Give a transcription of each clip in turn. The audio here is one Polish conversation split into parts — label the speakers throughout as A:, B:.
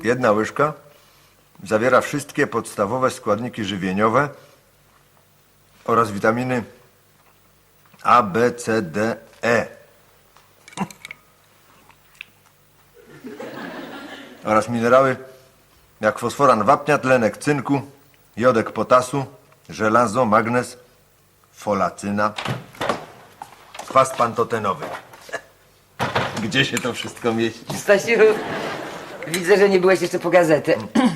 A: Jedna łyżka zawiera wszystkie podstawowe składniki żywieniowe oraz witaminy A, B, C, D, E. Oraz minerały jak fosforan wapnia, tlenek cynku, jodek potasu, żelazo, magnez, folacyna, kwas pantotenowy. Gdzie się to wszystko mieści?
B: Stasiu, widzę, że nie byłeś jeszcze po gazetę.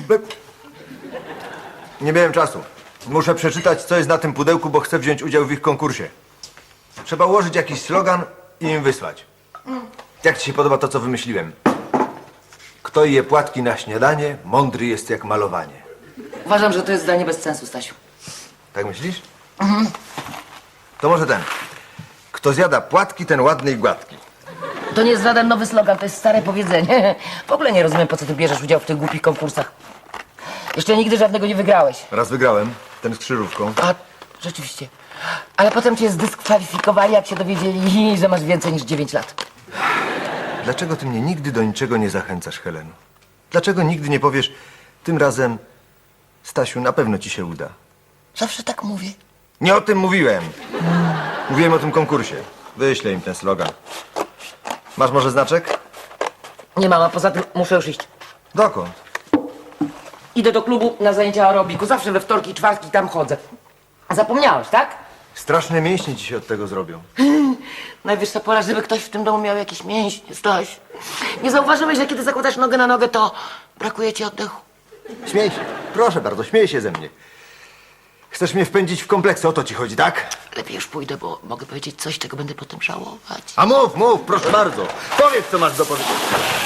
A: Nie miałem czasu. Muszę przeczytać, co jest na tym pudełku, bo chcę wziąć udział w ich konkursie. Trzeba ułożyć jakiś slogan i im wysłać. Jak ci się podoba to, co wymyśliłem? Kto je płatki na śniadanie, mądry jest jak malowanie.
B: Uważam, że to jest zdanie bez sensu, Stasiu.
A: Tak myślisz? To może ten. Kto zjada płatki, ten ładny i gładki.
B: To nie jest żaden nowy slogan, to jest stare powiedzenie. W ogóle nie rozumiem, po co ty bierzesz udział w tych głupich konkursach. Jeszcze nigdy żadnego nie wygrałeś.
A: Raz wygrałem, ten z krzyżówką.
B: A, rzeczywiście. Ale potem cię zdyskwalifikowali, jak się dowiedzieli, że masz więcej niż 9 lat.
A: Dlaczego ty mnie nigdy do niczego nie zachęcasz, Heleno? Dlaczego nigdy nie powiesz, tym razem, Stasiu, na pewno ci się uda?
B: Zawsze tak mówię.
A: Nie o tym mówiłem. Mówiłem o tym konkursie. Wyślę im ten slogan. Masz może znaczek?
B: Nie mam, a poza tym muszę już iść.
A: Dokąd?
B: Idę do klubu na zajęcia aerobiku. Zawsze we wtorki i czwartki tam chodzę. Zapomniałeś, tak?
A: Straszne mięśnie ci się od tego zrobią.
B: Najwyższa pora, żeby ktoś w tym domu miał jakieś mięśnie, Staś. Nie zauważyłeś, że kiedy zakładasz nogę na nogę, to brakuje ci oddechu?
A: Śmiej się. Proszę bardzo, śmiej się ze mnie. Chcesz mnie wpędzić w kompleksy, o to ci chodzi, tak?
B: Lepiej już pójdę, bo mogę powiedzieć coś, czego będę potem żałować.
A: A mów, proszę bardzo. Powiedz, co masz do powiedzenia.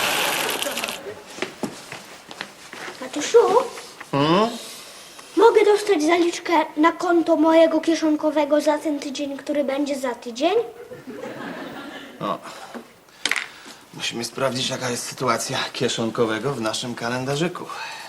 C: Tatusiu? Mogę dostać zaliczkę na konto mojego kieszonkowego za ten tydzień, który będzie za tydzień?
D: Musimy sprawdzić, jaka jest sytuacja kieszonkowego w naszym kalendarzyku.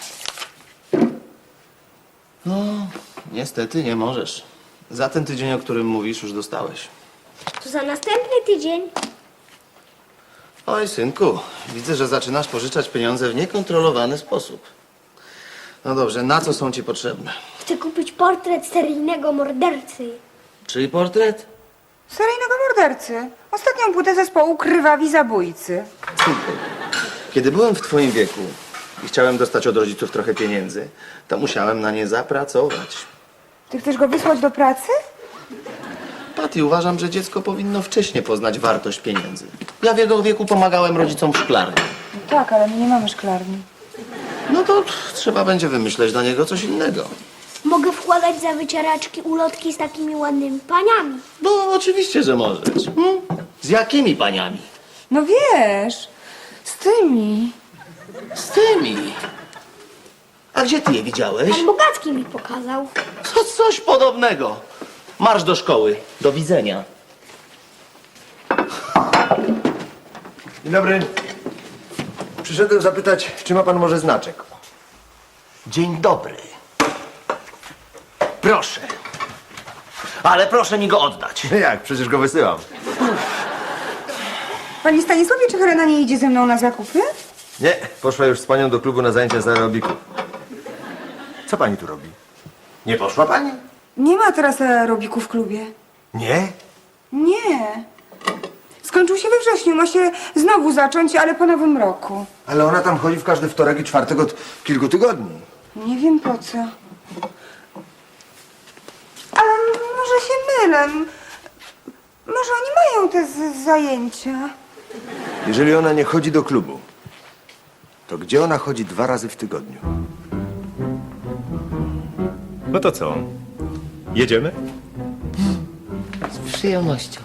D: No, niestety nie możesz. Za ten tydzień, o którym mówisz, już dostałeś.
C: To za następny tydzień.
D: Oj, synku, widzę, że zaczynasz pożyczać pieniądze w niekontrolowany sposób. No dobrze, na co są ci potrzebne?
C: Chcę kupić portret seryjnego mordercy.
D: Czyj portret?
E: Seryjnego mordercy. Ostatnią płytę zespołu Krwawi Zabójcy.
D: Synku, kiedy byłem w twoim wieku i chciałem dostać od rodziców trochę pieniędzy, to musiałem na nie zapracować.
E: Ty chcesz go wysłać do pracy?
D: Patty, uważam, że dziecko powinno wcześniej poznać wartość pieniędzy. Ja w jego wieku pomagałem rodzicom w szklarni.
E: No tak, ale my nie mamy szklarni.
D: No to trzeba będzie wymyśleć dla niego coś innego.
C: Mogę wkładać za wycieraczki ulotki z takimi ładnymi paniami.
D: No oczywiście, że możesz. Z jakimi paniami?
E: No wiesz, z tymi.
D: Z tymi. A gdzie ty je widziałeś?
C: Pan Bogacki mi pokazał.
D: To coś podobnego. Marsz do szkoły. Do widzenia.
A: Dzień dobry. Przyszedłem zapytać, czy ma pan może znaczek.
D: Dzień dobry. Proszę. Ale proszę mi go oddać.
A: Jak? Przecież go wysyłam.
E: Panie Stanisławie, czy Helena nie idzie ze mną na zakupy?
A: Nie, poszła już z panią do klubu na zajęcia z aerobiku. Co pani tu robi? Nie poszła pani?
E: Nie ma teraz aerobiku w klubie.
A: Nie?
E: Nie. Skończył się we wrześniu, ma się znowu zacząć, ale po nowym roku.
A: Ale ona tam chodzi w każdy wtorek i czwartek od kilku tygodni.
E: Nie wiem po co. Ale może się mylę. Może oni mają te zajęcia.
A: Jeżeli ona nie chodzi do klubu, to gdzie ona chodzi 2 razy w tygodniu?
F: No to co? Jedziemy?
B: Z przyjemnością.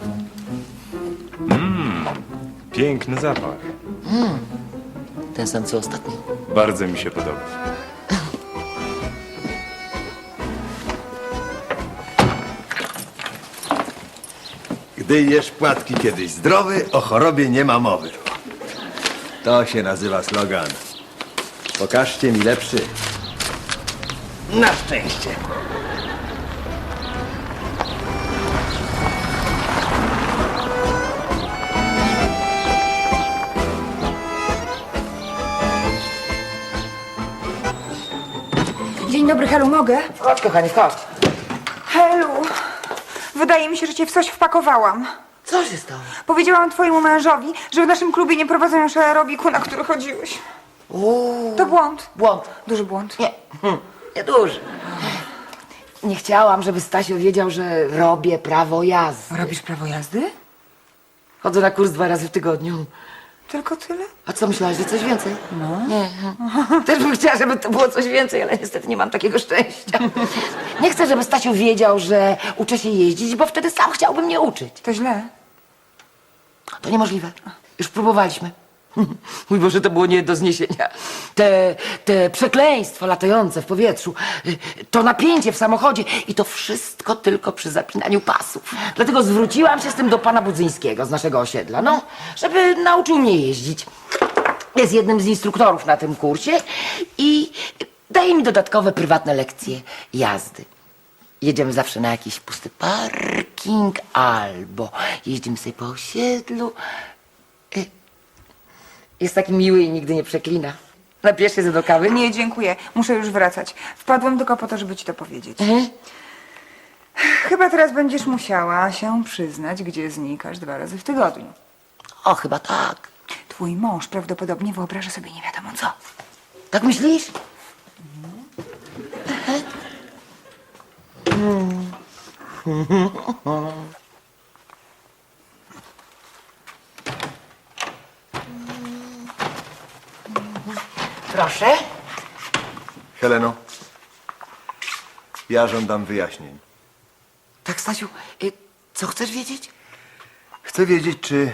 F: Piękny zapach.
B: Ten sam co ostatnio.
F: Bardzo mi się podoba.
A: Gdy jesz płatki kiedyś zdrowy, o chorobie nie ma mowy. To się nazywa slogan. Pokażcie mi lepszy.
D: Na szczęście.
E: Dzień dobry, Helu, mogę?
B: Chodź, kochanie, chodź.
E: Helu, wydaje mi się, że cię w coś wpakowałam.
B: Co się stało?
E: Powiedziałam twojemu mężowi, że w naszym klubie nie prowadzą już aerobiku, na który chodziłeś. To błąd.
B: Błąd.
E: Duży błąd.
B: Nie, nie duży. Nie chciałam, żeby Stasiu wiedział, że robię prawo jazdy.
E: Robisz prawo jazdy?
B: Chodzę na kurs 2 razy w tygodniu.
E: Tylko tyle?
B: A co myślałaś, że coś więcej? No. Nie. Też bym chciała, żeby to było coś więcej, ale niestety nie mam takiego szczęścia. Nie chcę, żeby Stasiu wiedział, że uczę się jeździć, bo wtedy sam chciałby mnie uczyć.
E: To źle.
B: To niemożliwe. Już próbowaliśmy. Mój Boże, to było nie do zniesienia. Te przekleństwo latające w powietrzu, to napięcie w samochodzie i to wszystko tylko przy zapinaniu pasów. Dlatego zwróciłam się z tym do pana Budzyńskiego z naszego osiedla, no, żeby nauczył mnie jeździć. Jest jednym z instruktorów na tym kursie i daje mi dodatkowe prywatne lekcje jazdy. Jedziemy zawsze na jakiś pusty parking albo jeździmy sobie po osiedlu. Jest taki miły i nigdy nie przeklina. Napijesz się do kawy?
E: Nie, dziękuję. Muszę już wracać. Wpadłem tylko po to, żeby ci to powiedzieć. Chyba teraz będziesz musiała się przyznać, gdzie znikasz 2 razy w tygodniu.
B: O, chyba tak.
E: Twój mąż prawdopodobnie wyobraża sobie nie wiadomo co.
B: Tak myślisz? Proszę.
A: Heleno, ja żądam wyjaśnień.
B: Tak, Stasiu, co chcesz wiedzieć?
A: Chcę wiedzieć, czy...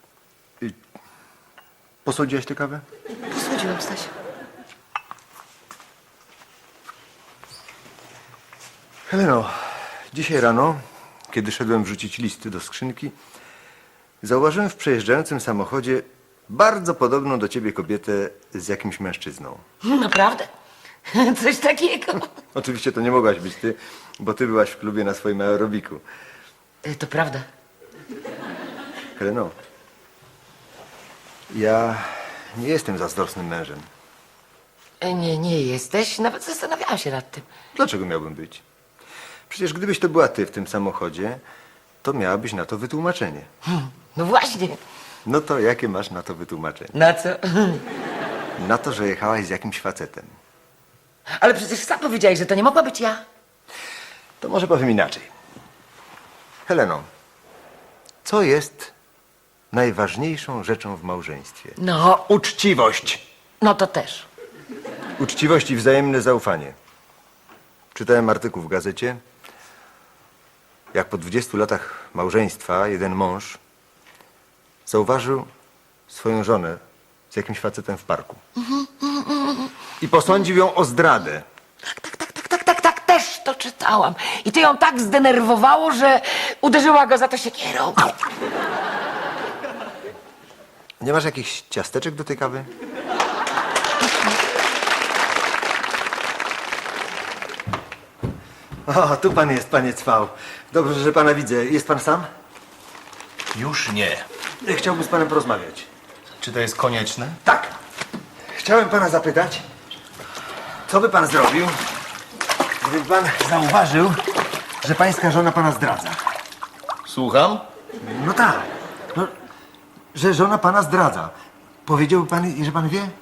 A: Posądziłaś tę kawę?
B: Posłodziłem, Stasiu.
A: Heleno, dzisiaj rano, kiedy szedłem wrzucić listy do skrzynki, zauważyłem w przejeżdżającym samochodzie bardzo podobną do ciebie kobietę z jakimś mężczyzną.
B: Naprawdę? Coś takiego?
A: Oczywiście to nie mogłaś być ty, bo ty byłaś w klubie na swoim aerobiku.
B: To prawda.
A: Heleno, ja nie jestem zazdrosnym mężem.
B: Nie jesteś. Nawet zastanawiałam się nad tym.
A: Dlaczego miałbym być? Przecież gdybyś to była ty w tym samochodzie, to miałabyś na to wytłumaczenie.
B: No właśnie.
A: No to jakie masz na to wytłumaczenie?
B: Na co?
A: Na to, że jechałaś z jakimś facetem.
B: Ale przecież sam powiedziałeś, że to nie mogła być ja.
A: To może powiem inaczej. Heleno, co jest najważniejszą rzeczą w małżeństwie?
B: No,
A: Uczciwość.
B: no to też.
A: Uczciwość i wzajemne zaufanie. Czytałem artykuł w gazecie, jak po 20 latach małżeństwa jeden mąż zauważył swoją żonę z jakimś facetem w parku. I posądził ją o zdradę.
B: Tak, też to czytałam. I to ją tak zdenerwowało, że uderzyła go za to siekierą.
A: Nie masz jakichś ciasteczek do tej kawy? O, tu pan jest, panie Cwał. Dobrze, że pana widzę. Jest pan sam?
D: Już nie.
A: Chciałbym z panem porozmawiać.
D: Czy to jest konieczne?
A: Tak. Chciałem pana zapytać, co by pan zrobił, gdyby pan zauważył, że pańska żona pana zdradza?
D: Słucham?
A: No tak. No, że żona pana zdradza. Powiedziałby pan, że pan wie?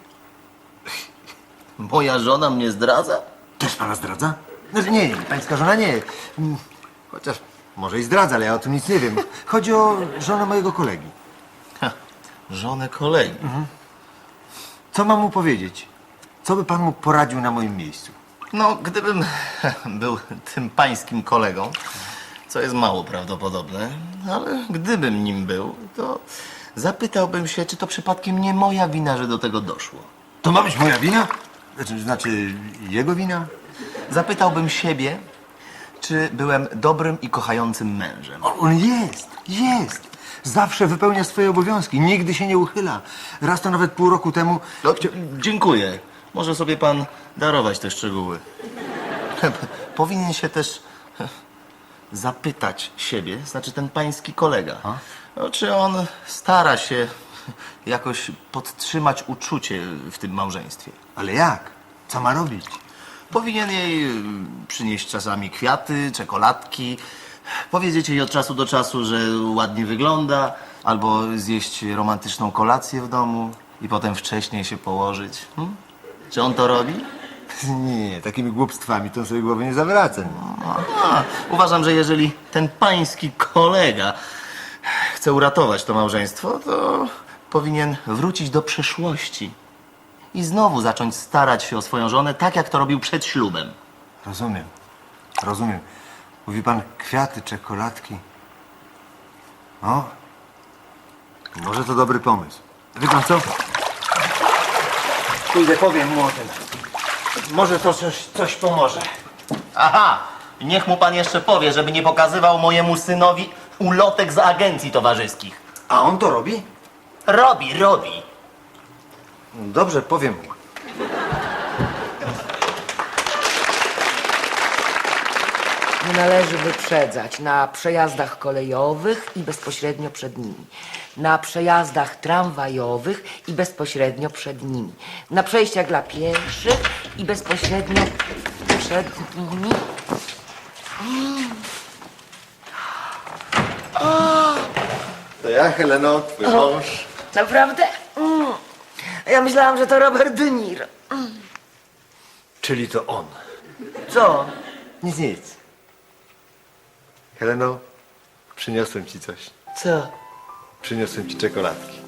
D: Moja żona mnie zdradza?
A: Też pana zdradza? No, nie, pańska żona nie. Chociaż może i zdradza, ale ja o tym nic nie wiem. Chodzi o żonę mojego kolegi.
D: Żonę kolegi.
A: Co mam mu powiedzieć? Co by pan mu poradził na moim miejscu?
D: No, gdybym był tym pańskim kolegą, co jest mało prawdopodobne, ale gdybym nim był, to zapytałbym się, czy to przypadkiem nie moja wina, że do tego doszło.
A: To ma być moja wina? Znaczy jego wina?
D: Zapytałbym siebie, czy byłem dobrym i kochającym mężem.
A: On jest. Zawsze wypełnia swoje obowiązki, nigdy się nie uchyla. Raz to nawet pół roku temu...
D: No, dziękuję. Może sobie pan darować te szczegóły. Powinien się też zapytać siebie, znaczy ten pański kolega, no, czy on stara się jakoś podtrzymać uczucie w tym małżeństwie.
A: Ale jak? Co ma robić?
D: Powinien jej przynieść czasami kwiaty, czekoladki, powiedzieć jej od czasu do czasu, że ładnie wygląda, albo zjeść romantyczną kolację w domu i potem wcześniej się położyć. Czy on to robi?
A: Nie, takimi głupstwami to sobie głowy nie zawracam.
D: Uważam, że jeżeli ten pański kolega chce uratować to małżeństwo, to powinien wrócić do przeszłości i znowu zacząć starać się o swoją żonę tak, jak to robił przed ślubem.
A: Rozumiem, rozumiem. Mówi pan kwiaty, czekoladki. O, może to dobry pomysł. Wie pan co? Pójdę, powiem mu o tym. Może to coś pomoże.
D: Aha! Niech mu pan jeszcze powie, żeby nie pokazywał mojemu synowi ulotek z agencji towarzyskich.
A: A on to robi?
D: Robi.
A: Dobrze, powiem mu.
B: Nie należy wyprzedzać na przejazdach kolejowych i bezpośrednio przed nimi. Na przejazdach tramwajowych i bezpośrednio przed nimi. Na przejściach dla pieszych i bezpośrednio przed nimi.
A: To ja, Heleno, twój mąż.
B: Naprawdę? Ja myślałam, że to Robert De Niro.
A: Czyli to on.
B: Co?
A: Nic. Heleno, przyniosłem ci coś.
B: Co?
A: Przyniosłem ci czekoladki.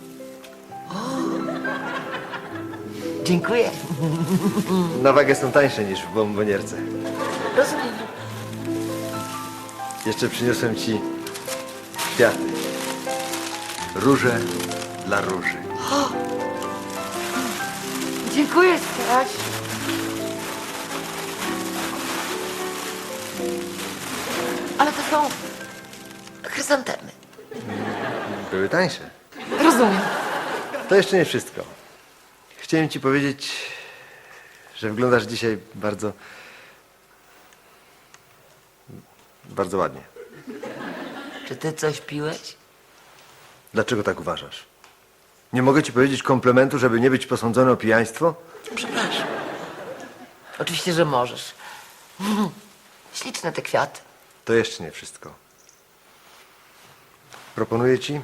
B: Dziękuję.
A: Na wagę są tańsze niż w bombonierce.
B: Rozumiem.
A: Jeszcze przyniosłem ci kwiaty. Róże dla róży.
B: Dziękuję, Staś. Ale to są chryzantemy.
A: Były tańsze.
B: Rozumiem.
A: To jeszcze nie wszystko. Chciałem ci powiedzieć, że wyglądasz dzisiaj bardzo ładnie.
B: Czy ty coś piłeś?
A: Dlaczego tak uważasz? Nie mogę ci powiedzieć komplementu, żeby nie być posądzony o pijaństwo?
B: Przepraszam. Oczywiście, że możesz. Śliczne te kwiaty.
A: To jeszcze nie wszystko. Proponuję ci,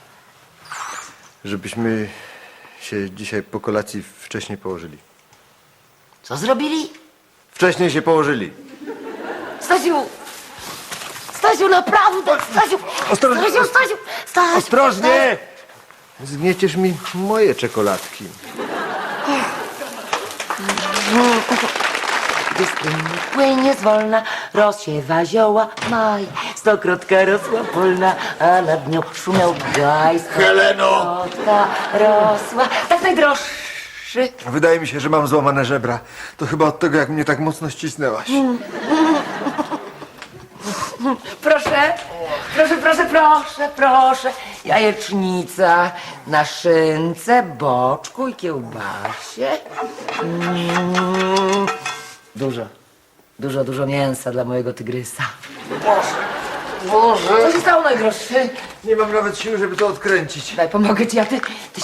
A: żebyśmy się dzisiaj po kolacji wcześniej położyli.
B: Co zrobili?
A: Wcześniej się położyli.
B: Stasiu! Stasiu, naprawdę! Stasiu!
A: Ostrożnie!
B: Stasiu!
A: Ostrożnie! Zgnieciesz mi moje czekoladki.
B: Gdy strumyk płynie zwolna, rozsiewa zioła maj. Stokrotka rosła polna, a nad nią szumiał gaj.
A: Heleno!
B: Stokrotka rosła, tak najdroższy.
A: Wydaje mi się, że mam złamane żebra. To chyba od tego, jak mnie tak mocno ścisnęłaś.
B: Proszę, proszę. Jajecznica na szynce, boczku i kiełbasie. Dużo mięsa dla mojego tygrysa.
A: Boże!
B: Co się stało, najdroższy?
A: Nie mam nawet siły, żeby to odkręcić.
B: Daj, pomogę ci, a ty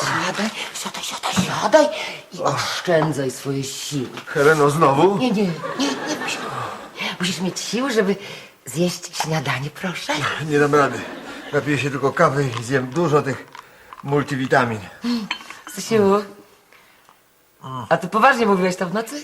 B: siadaj i oszczędzaj swoje siły.
A: Heleno, znowu?
B: Nie musisz mieć siły, żeby zjeść śniadanie, proszę.
A: Nie dam rady. Napiję się tylko kawy i zjem dużo tych multivitamin.
B: Stasiu, a ty poważnie mówiłeś to w nocy?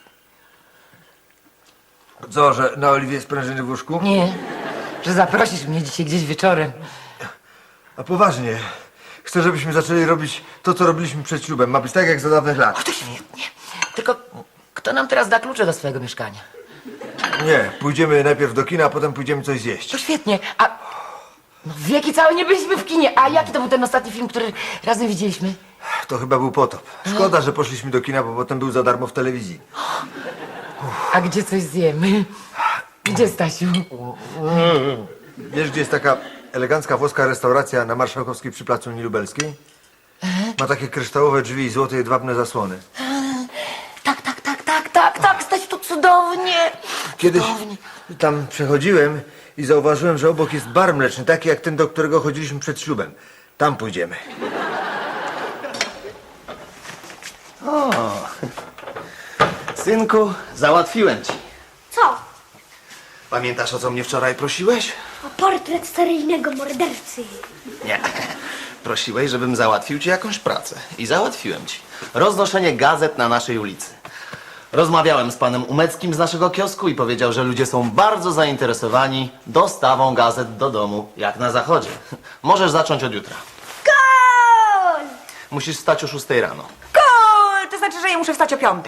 A: Co, że na oliwie sprężyny w łóżku?
B: Nie, że zaprosisz mnie dzisiaj gdzieś wieczorem.
A: A poważnie. Chcę, żebyśmy zaczęli robić to, co robiliśmy przed ślubem. Ma być tak, jak za dawnych
B: O,
A: lat.
B: to świetnie. Tylko kto nam teraz da klucze do swojego mieszkania?
A: Nie, pójdziemy najpierw do kina, a potem pójdziemy coś
B: To
A: zjeść.
B: świetnie, a... No wieki całe nie byliśmy w kinie. A jaki to był ten ostatni film, który razem widzieliśmy?
A: To chyba był potop. Szkoda, że poszliśmy do kina, bo potem był za darmo w telewizji.
B: A gdzie coś zjemy? Gdzie, Stasiu?
A: Wiesz, gdzie jest taka elegancka włoska restauracja na Marszałkowskiej przy Placu Unii Lubelskiej? Ma takie kryształowe drzwi i złote jedwabne zasłony.
B: Tak, Stasiu, to cudownie.
A: Kiedyś
B: Cudownie.
A: tam przechodziłem i zauważyłem, że obok jest bar mleczny, taki jak ten, do którego chodziliśmy przed ślubem. Tam pójdziemy.
D: Synku, załatwiłem ci.
C: Co?
D: Pamiętasz, o co mnie wczoraj prosiłeś?
C: O portret seryjnego mordercy.
D: Nie. Prosiłeś, żebym załatwił ci jakąś pracę. I załatwiłem ci. Roznoszenie gazet na naszej ulicy. Rozmawiałem z panem Umeckim z naszego kiosku i powiedział, że ludzie są bardzo zainteresowani dostawą gazet do domu, jak na zachodzie. Możesz zacząć od jutra.
C: Gol!
D: Musisz wstać o 6 rano.
E: Gol! To znaczy, że ja muszę wstać o 5.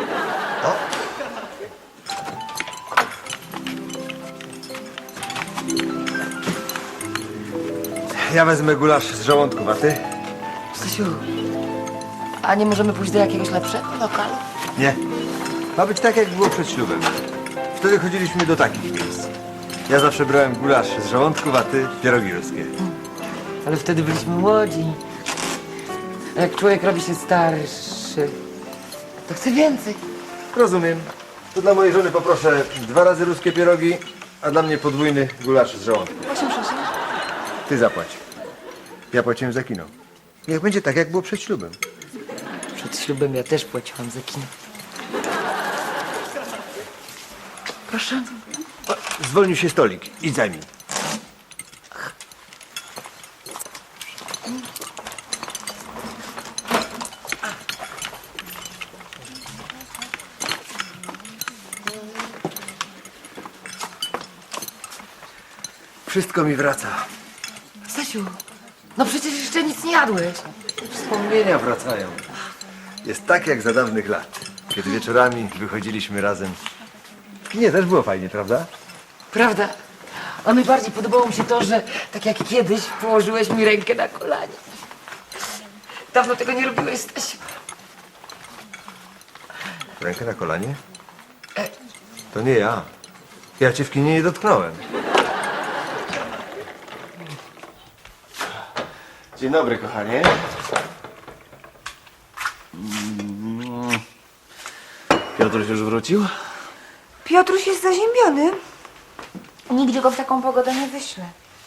A: Ja wezmę gulasz z żołądków, a ty?
B: Stasiu, a nie możemy pójść do jakiegoś lepszego lokalu?
A: Nie. Ma być tak, jak było przed ślubem. Wtedy chodziliśmy do takich miejsc. Ja zawsze brałem gulasz z żołądków, a ty pierogi ruskie.
B: Ale wtedy byliśmy młodzi. A jak człowiek robi się starszy, to chce więcej.
A: Rozumiem. To dla mojej żony poproszę 2 razy ruskie pierogi, a dla mnie podwójny gulasz z żołądków.
E: 8,6.
A: Ty zapłać. Ja płaciłem za kino. Niech będzie tak, jak było przed ślubem.
B: Przed ślubem ja też płaciłam za kino. Proszę.
A: Zwolnił się stolik. Idź zajmij. Wszystko mi wraca.
B: Stasiu, no przecież jeszcze nic nie jadłeś.
A: Wspomnienia wracają. Jest tak, jak za dawnych lat. Kiedy wieczorami wychodziliśmy razem. Nie, też było fajnie, prawda?
B: Prawda? A najbardziej podobało mi się to, że tak jak kiedyś położyłeś mi rękę na kolanie. Dawno tego nie robiłeś, Stasiu.
A: Rękę na kolanie? To nie ja. Ja cię w kinie nie dotknąłem.
D: Dzień dobry, kochanie. Piotruś już wrócił?
E: Piotruś jest zaziębiony. Nigdzie go w taką pogodę nie wyślę.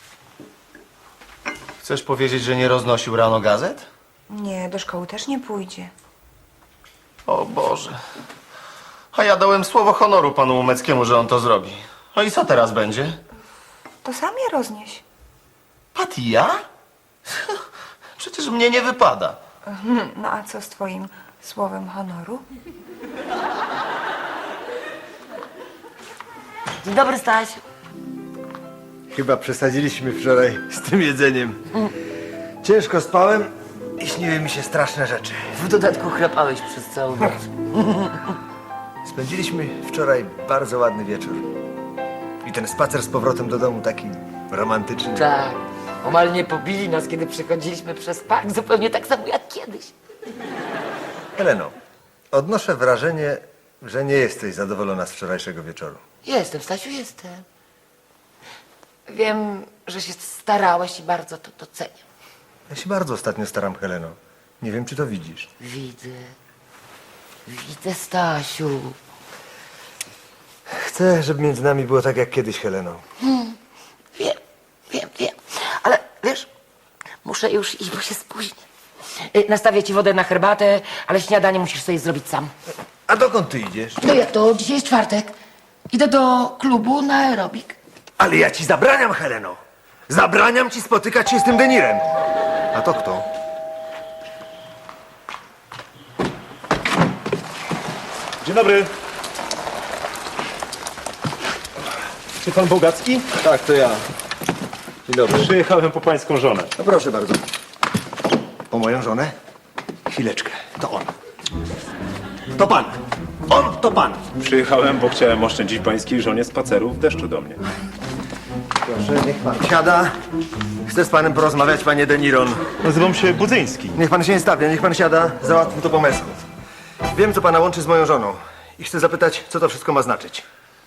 D: Chcesz powiedzieć, że nie roznosił rano gazet?
E: Nie, do szkoły też nie pójdzie.
D: O Boże. A ja dałem słowo honoru panu Umeckiemu, że on to zrobi. No i co teraz będzie?
E: To sam je roznieś.
D: Pat i ja? Przecież mnie nie wypada.
E: No a co z twoim słowem honoru?
B: Dzień dobry, Stasiu.
A: Chyba przesadziliśmy wczoraj z tym jedzeniem. Ciężko spałem i śniły mi się straszne rzeczy.
B: W dodatku chrapałeś przez całą noc.
A: Spędziliśmy wczoraj bardzo ładny wieczór. I ten spacer z powrotem do domu taki romantyczny.
B: Tak. Omal nie pobili nas, kiedy przechodziliśmy przez park, zupełnie tak samo jak kiedyś.
A: Heleno, odnoszę wrażenie, że nie jesteś zadowolona z wczorajszego wieczoru.
B: Jestem, Stasiu, jestem. Wiem, że się starałeś i bardzo to doceniam.
A: Ja się bardzo ostatnio staram, Heleno. Nie wiem, czy to widzisz.
B: Widzę. Widzę, Stasiu.
A: Chcę, żeby między nami było tak jak kiedyś, Heleno.
B: Wiem. Ale wiesz, muszę już iść, bo się spóźnię. Nastawię ci wodę na herbatę, ale śniadanie musisz sobie zrobić sam.
A: A dokąd ty idziesz?
B: No jak to? Dzisiaj jest czwartek. Idę do klubu na aerobik.
A: Ale ja ci zabraniam, Heleno. Zabraniam ci spotykać się z tym Denirem. A to kto?
F: Dzień dobry. Czy pan Bogacki?
A: Tak, to ja. Dzień dobry.
F: Przyjechałem po pańską żonę.
A: No proszę bardzo. Po moją żonę? Chwileczkę. To on. To pan. On to pan.
F: Przyjechałem, bo chciałem oszczędzić pańskiej żonie spaceru w deszczu do mnie.
A: Proszę, niech pan siada. Chcę z panem porozmawiać, panie Deniron.
F: Nazywam się Budzyński.
A: Niech pan się nie stawia, niech pan siada. Załatwmy to po męsku. Wiem, co pana łączy z moją żoną. I chcę zapytać, co to wszystko ma znaczyć.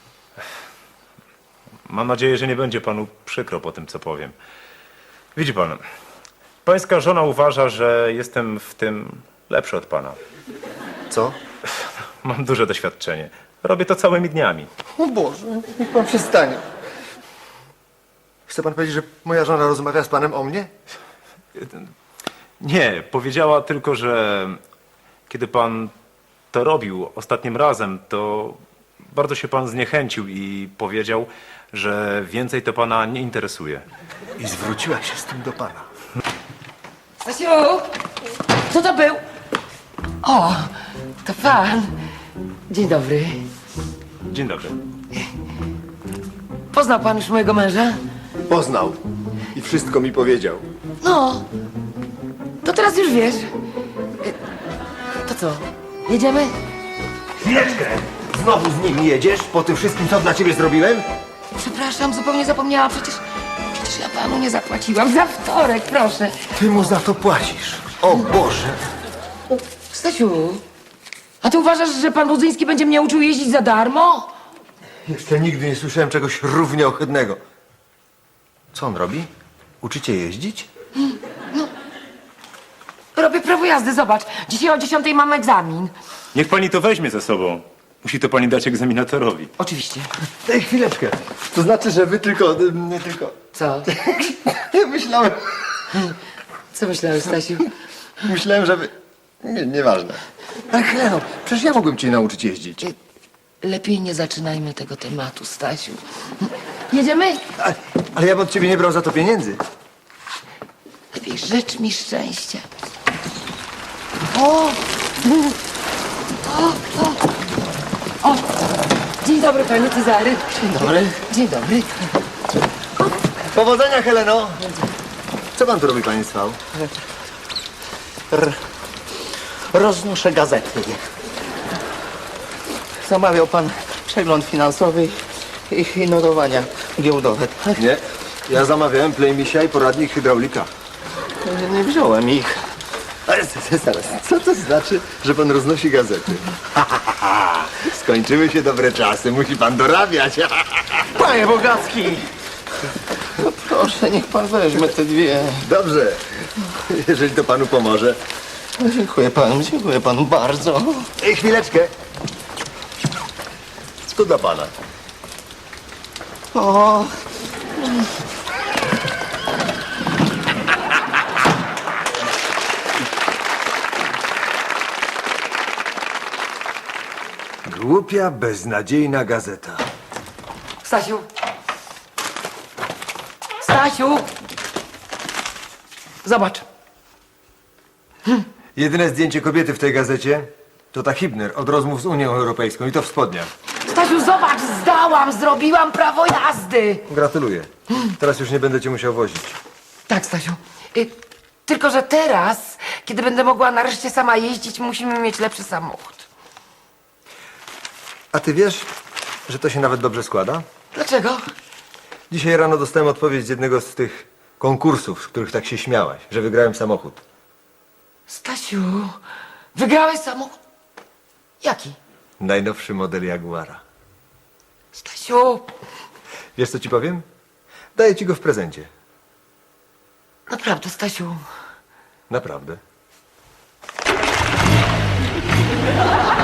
F: Mam nadzieję, że nie będzie panu przykro po tym, co powiem. Widzi pan, pańska żona uważa, że jestem w tym lepszy od pana.
A: Co?
F: Mam duże doświadczenie. Robię to całymi dniami.
A: O Boże, niech pan przestanie. Chce pan powiedzieć, że moja żona rozmawia z panem o mnie?
F: Nie, powiedziała tylko, że kiedy pan to robił ostatnim razem, to bardzo się pan zniechęcił i powiedział, że więcej to pana nie interesuje.
A: I zwróciła się z tym do pana.
B: Stasiu! Co to był? O, to pan. Dzień dobry.
F: Dzień dobry.
B: Poznał pan już mojego męża?
A: Poznał i wszystko mi powiedział.
B: No. To teraz już wiesz. To co? Jedziemy?
A: Chwileczkę! Znowu z nim jedziesz po tym wszystkim, co dla ciebie zrobiłem?
B: Przepraszam, zupełnie zapomniałam. Przecież ja panu nie zapłaciłam. Za wtorek, proszę.
A: Ty mu za to płacisz. O Boże!
B: Stasiu, a ty uważasz, że pan Budzyński będzie mnie uczył jeździć za darmo?
A: Jeszcze nigdy nie słyszałem czegoś równie ohydnego. Co on robi? Uczycie jeździć?
B: Robię prawo jazdy, zobacz. Dzisiaj o 10 mam egzamin.
F: Niech pani to weźmie ze sobą. Musi to pani dać egzaminatorowi.
B: Oczywiście.
A: Ej, chwileczkę. To znaczy, że wy tylko...
B: Co?
A: Myślałem...
B: Co myślałeś, Stasiu?
A: Myślałem, że wy... Nieważne. Ale Heleno, przecież ja mogłem cię nauczyć jeździć.
B: Lepiej nie zaczynajmy tego tematu, Stasiu. Jedziemy?
A: Ale ja bym od ciebie nie brał za to pieniędzy.
B: Lepiej życz mi szczęścia. O! O! Dzień dobry, panie Cezary. Dzień
A: dobry.
B: Dzień dobry.
A: Powodzenia, Heleno! Co pan tu robi, panie Swał?
D: Roznoszę gazety. Zamawiał pan przegląd finansowy i notowania giełdowe. Tak?
A: Nie. Ja zamawiałem Playmisia i poradnik hydraulika.
D: Nie wziąłem ich.
A: Ale zaraz, co to znaczy, że pan roznosi gazety? Skończyły się dobre czasy, musi pan dorabiać.
D: Panie Bogacki! No proszę, niech pan weźmie te dwie.
A: Dobrze, jeżeli to panu pomoże.
D: No, dziękuję panu bardzo.
A: Ej, chwileczkę. To dla pana.
D: O,
A: Głupia, beznadziejna gazeta.
B: Stasiu. Stasiu. Zobacz.
A: Jedyne zdjęcie kobiety w tej gazecie to ta Hibner od rozmów z Unią Europejską i to w spodniach.
B: Stasiu, zobacz, zdałam, zrobiłam prawo jazdy.
A: Gratuluję. Teraz już nie będę cię musiał wozić.
B: Tak, Stasiu. Tylko, że teraz, kiedy będę mogła nareszcie sama jeździć, musimy mieć lepszy samochód.
A: A ty wiesz, że to się nawet dobrze składa?
B: Dlaczego?
A: Dzisiaj rano dostałem odpowiedź z jednego z tych konkursów, z których tak się śmiałaś, że wygrałem samochód.
B: Stasiu, wygrałeś samochód? Jaki?
A: Najnowszy model Jaguara.
B: Stasiu,
A: Wiesz, co ci powiem? Daję ci go w prezencie.
B: naprawdę, Stasiu.
A: Naprawdę.